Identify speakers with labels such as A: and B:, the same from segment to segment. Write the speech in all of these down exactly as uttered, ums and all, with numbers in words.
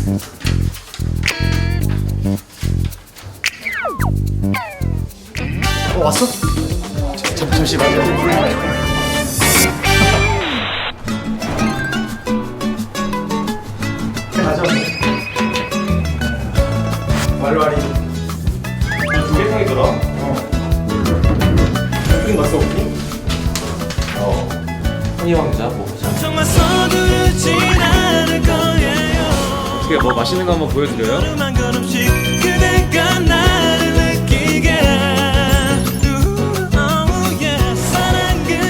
A: 어 왔어? 잠, 잠시 맞아. 가자. 말와리.
B: 두개 상이더라.
A: 어. 오프닝 봤어 오프닝?
B: 어. 허니왕자 뭐 보자.
C: 정말 서두르진 않을 거예요.
B: 어떻게 뭐 맛있는 거 한번 보여드려요?
C: 걸음 한 걸음씩 그대가 나를 느끼게. Oh yeah. 사랑 그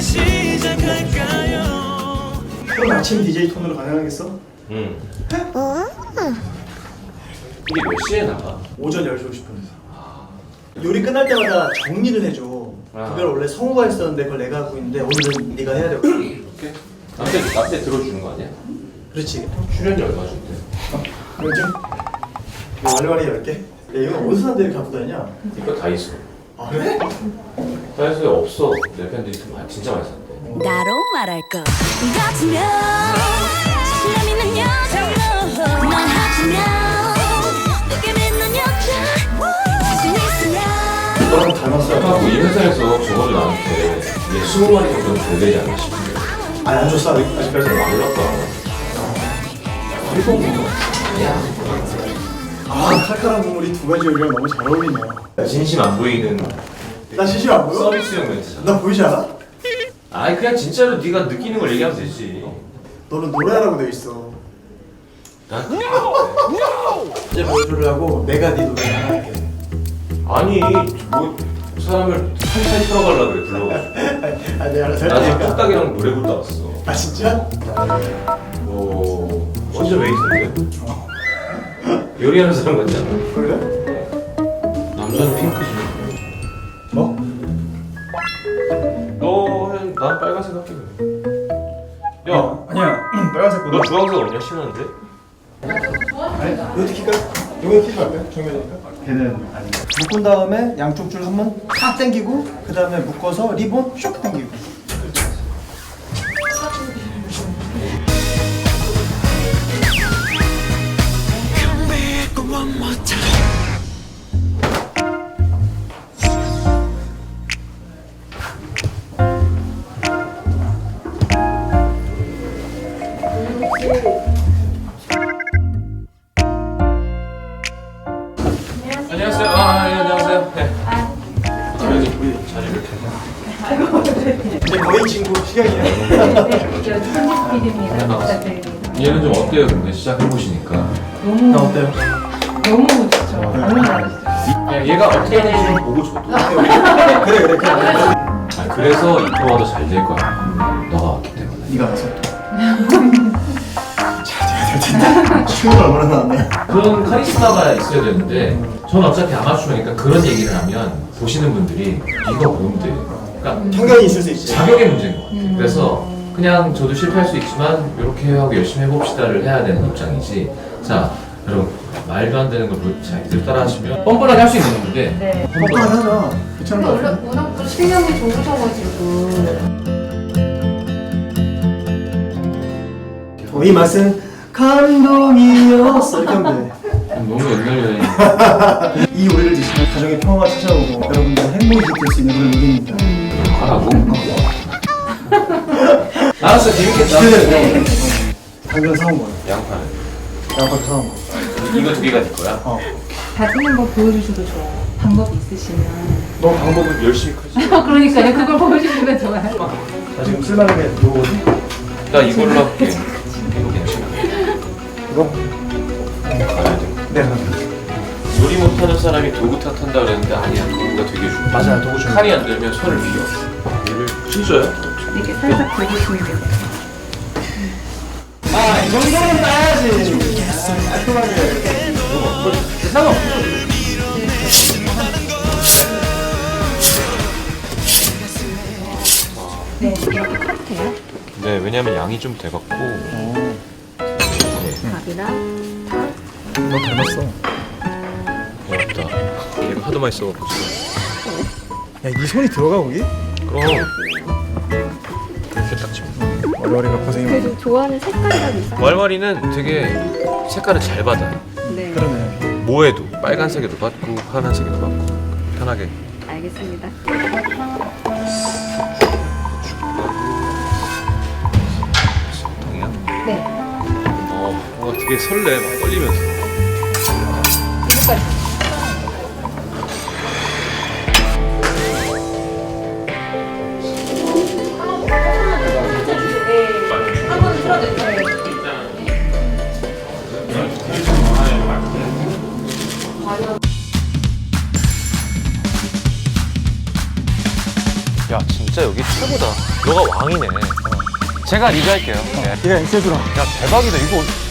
C: 시작할까요?
A: 그럼 아침 디제이 톤으로 가능하겠어?
B: 응. 이게 몇 시에 나가?
A: 오전 열 시 오십 분에서. 요리 끝날 때마다 정리를 해줘.
B: 아.
A: 그걸 원래 성우가 했었는데 그걸 내가 하고 있는데 오늘은 네가 해야 되고.
B: 이렇게? 나한테 나한테 들어주는 거 아니야?
A: 그렇지.
B: 출연료 얼마 준대?
A: 그러지? 말와리 열 개? 야 이건 어디서 산데 이렇게 갖고 다니냐?
B: 이거 다이소.
A: 아 그래?
B: 다이소에 없어. 내 팬들이 좀 많이- 진짜 많이 산대.
D: 나로 말할 것 같으면 자신감 있는 여자로 넌 하지면 내게 믿는 여자 자신 있으면
A: 너랑 닮았어.
B: 아까 이 회사에서 적어도 나한테 이게 스무 마리 정도는 줘야 되지 않나 싶은데.
A: 아니 안 줬어 아직- 아직까지.
B: 몰랐다. 일본 거 아니야?
A: 아 칼칼한 국물이 두 가지 요리랑 너무 잘 어울리네요.
B: 진심 안 보이는
A: 나 진심 안 보여?
B: 서비스용 멘트잖아.
A: 나 보이지 않아?
B: 아니 그냥 진짜로 네가 느끼는 걸 얘기하면 되지.
A: 너는 노래하라고 돼 있어.
B: 난
A: 이제 보여주려 하고 내가 네 노래 하나 할게.
B: 아니 뭐 사람을 살살 틀어가려 그래 불러가지고.
A: 아 내가 알아서 할
B: 나도
A: 테니까.
B: 뚝딱이랑 노래 부르다 왔어.
A: 아 진짜?
B: 뭐 완전 웨이트인데? 요리하는 사람 같지 않아?
A: 그래?
B: 남자는 핑크지.
A: 뭐?
B: 너는 난 빨간색 할게. 야,
A: 아니야 빨간색
B: 너 주황색 없냐? 심한데?
A: 아니 이거 킬까? 이거 킬까 할까? 정면이니까? 걔는 아니야. 묶은 다음에 양쪽 줄 한번 탁 당기고 그 다음에 묶어서 리본 슉 당기고.
C: One more time.
B: 안녕하세요. 아, 예, 안녕하세요. 네. 여기 우리 자리를 이렇게.
A: 이제 거의 친구 시간이야.
E: 네, 저 천지 피디입니다. 부탁드립니다.
B: 얘는 좀 어때요? 근데 시작해 보시니까.
E: 너무
A: 나 어때요?
E: 너무 좋죠. 너무 잘하시죠.
B: 야, 얘가 어떻게 하는지 좀 보고 줘도.
A: 그래 그래 그래.
B: 아, 그래서 이 프로가 더 잘 될 거야. 너가 왔기 때문에.
A: 네가 알아서. 잘 돼야 될 텐데. 친구가 얼마나 나왔네.
B: 그런 카리스마가 있어야 되는데, 저는 어차피 아마추어니까 그런 얘기를 하면 보시는 분들이 네가 뭔데? 그러니까
A: 편견이 있을 수 있지.
B: 자격의 문제인 것 같아요. 그래서 그냥 저도 실패할 수 있지만 이렇게 하고 열심히 해봅시다를 해야 되는 입장이지. 자, 여러분 말도 안 되는 걸 자기들 따라하시면 뻔뻔하게 할 수 있는 건데.
E: 네.
A: 뻔뻔하게 하자. 괜찮은 거
E: 근데
A: 같아.
E: 워낙 워낙 또 실력이 좋으셔가지고
A: 어, 이 맛은 감동이었어. 이렇게 하면
B: 너무 옛날 여행.
A: 돼. 이 요리를 드시면 가정의 평화가 찾아오고 여러분들 행복이 깃들 수 있는 그런 요리입니다.
B: 하라고? 알았어, 재밌겠다.
A: 기대돼. 당근 사온 거야.
B: 양파는
A: 양파도 사온 거.
B: 이거 두 개가 네 거야?
A: 어.
E: 다듬는 거 보여주셔도 좋아요. 방법이 있으시면.
A: 너 방법은
B: 열심히 크지.
E: 그러니까요. 그걸 보여주시면 좋아요.
A: 나 지금 쓸만한 게 요거지?
B: 나 이걸로 할게. 이거 괜찮아.
A: 이거?
B: 가야 돼.
A: 네.
B: 요리 못하는 사람이 도구 탓한다 그랬는데 아니야. 도구가 되게 중요해.
A: 맞아요. 도구 좀.
B: 칼이 안 되면 손을 비워. 얘를 진짜야?
E: 이렇게 살짝 보여주시면 돼요.
A: 아, 이 정도는 따야지. 아, 깔끔하게.
B: 상관없어.
E: 네, 이렇게 컷해요.
B: 네, 왜냐면 양이 좀 돼갖고.
E: 밥이랑
A: 너 닮았어.
B: 어렵다. 얘가 하도 맛있어갖고 지금.
A: 야, 네 손이 들어가 거기?
B: 그럼 그렇게 딱 치면.
A: 머리가 고생이 많아.
F: 그래도 좋아하는 색깔이라도 있어요?
B: 왈왈이는 되게 색깔을 잘 받아요.
F: 네.
A: 그러네.
B: 뭐에도 빨간색에도 받고 파란색에도 받고 편하게.
F: 알겠습니다.
B: 통이야?
F: 네.
B: 어, 뭔가 되게 설레, 막 떨리면서. 야, 진짜 여기 최고다. 너가 왕이네. 제가 리드할게요. 네.
A: 얘가 엑세주라.
B: 야, 대박이다. 이거